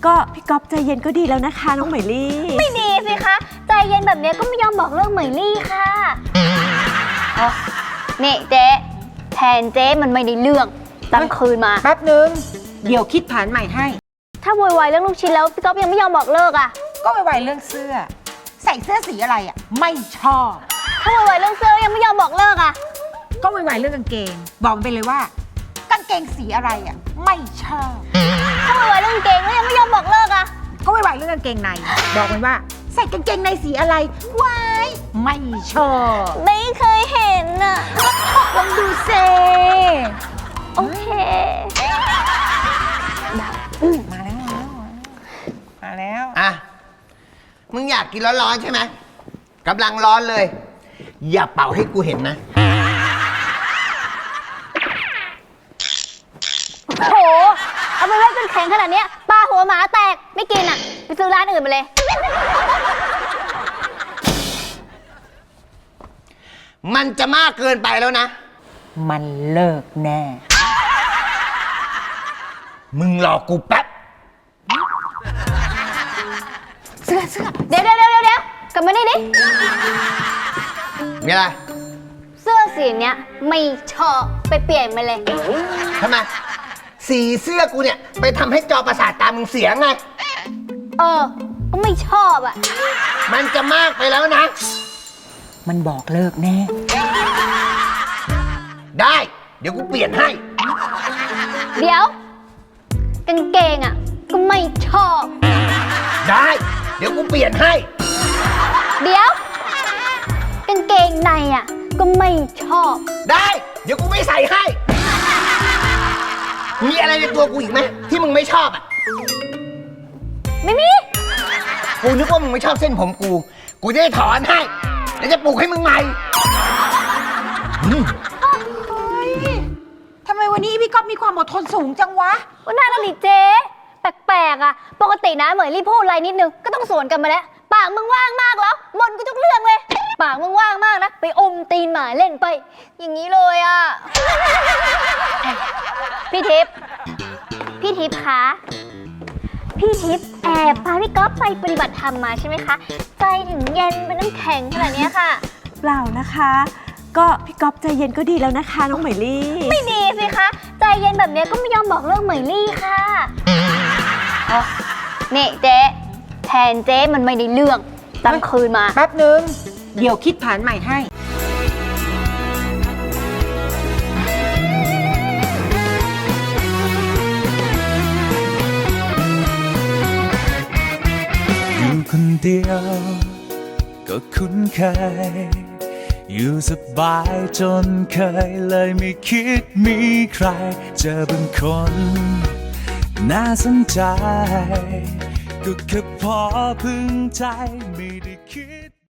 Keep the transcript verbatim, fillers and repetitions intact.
ก็พี่ก๊อฟใจเย็นก็ดีแล้วนะคะน้องเหมยลี่ไม่ดีสิคะใจเย็นแบบนี้ก็ไม่ยอมบอกเลิกเหมยลี่ค่ะนี่เจ๊แทนเจ๊มันไม่ได้เรื่องตั้งคืนมาแป๊บนึงเดี๋ยวคิดแผนใหม่ให้ถ้าโวยวายเรื่องลูกชิ้นแล้วพี่ก๊อฟยังไม่ยอมบอกเลิกอ่ะก็ไวๆเรื่องเสื้อใส่เสื้อสีอะไรอ่ะไม่ชอบถ้าโวยวายเรื่องเสื้อยังไม่ยอมบอกเลิกอ่ะก็ไวๆเรื่องกางเกงบอกมันไปเลยว่ากางเกงสีอะไรอ่ะไม่ชอบถ้าโวยวายเรื่องกางเกงแล้วยังไม่ยอมบอกเลิกอ่ะก็ไวๆเรื่องกางเกงในบอกมันว่าใส่กางเกงในสีอะไรว้ายไม่ชอบไม่เคยเห็นอ่ะลองดูเซโอเคมาแล้วมาแล้วมาแล้วอ่ะมึงอยากกินร้อนๆใช่ไหมกำลังร้อนเลยอย่าเป่าให้กูเห็นนะโหเอาไปไว้จนแข็งขนาดนี้ปลาหัวหมาแตกไม่กินอ่ะไปซื้อร้านอื่นมาเลยมันจะมากเกินไปแล้วนะมันเลิกแน่มึงรอกูแป๊บเสื้อเสื้อเดี๋ยวเดี๋ยวเดี๋ยวเดี๋ยวกลับมานี่ดิมีอะไรเสื้อสีเนี้ยไม่ชอบไปเปลี่ยนมาเลยทำไมสีเสื้อกูเนี่ยไปทำให้จอประสาทตามึงเสียไงเออก็ไม่ชอบอ่ะมันจะมากไปแล้วนะมันบอกเลิกแน่ได้เดี๋ยวกูเปลี่ยนให้เดี๋ยวกางเกงอ่ะก็ไม่ชอบได้เดี๋ยวกูเปลี่ยนให้เดี๋ยวกางเกงในอ่ะก็ไม่ชอบได้เดี๋ยวกูไม่ใส่ให้มีอะไรในตัวกูอีกไหมที่มึงไม่ชอบอ่ะไม่มีกูนึกว่ามึงไม่ชอบเส้นผมกูกูจะได้ถอนให้แล้วจะปลูกให้มึงใหม่ทำไมวันนี้พี่ก๊อฟมีความอดทนสูงจังวะวันนั้นน่ะดิเจ๊แปลกๆอ่ะปกตินะเหมยลี่พูดอะไรนิดนึงก็ต้องสวนกันมาแล้วปากมึงว่างมากแล้วบนกูทุกเรื่องเลยปากมึงว่างมากนะไปอมตีนหมาเล่นไปอย่างนี้เลยอ่ะพี่ทิพย์พี่ทิพย์คะพี่ทิพย์แอบพาพี่ก๊อฟไปปฏิบัติธรรมมาใช่ไหมคะใจถึงเย็นเป็นน้ำแข็งขนาดนี้ค่ะเปล่านะคะก็พี่ก๊อฟใจเย็นก็ดีแล้วนะคะน้องเหมยลี่ไม่ดีสิคะใจเย็นแบบนี้ก็ไม่ยอมบอกเลิกเหมยลี่ค่ะนี่เจ๊แทนเจ๊มันไม่ได้เรื่องตั้งคืนมาแป๊บนึงเดี๋ยวคิดแผนใหม่ให้อยู่คนเดียวก็คุ้นเคยอยู่สบายจนเคยเลยไม่คิดมีใครเจอบางคนน่าสนใจก็แค่พอพึงใจไม่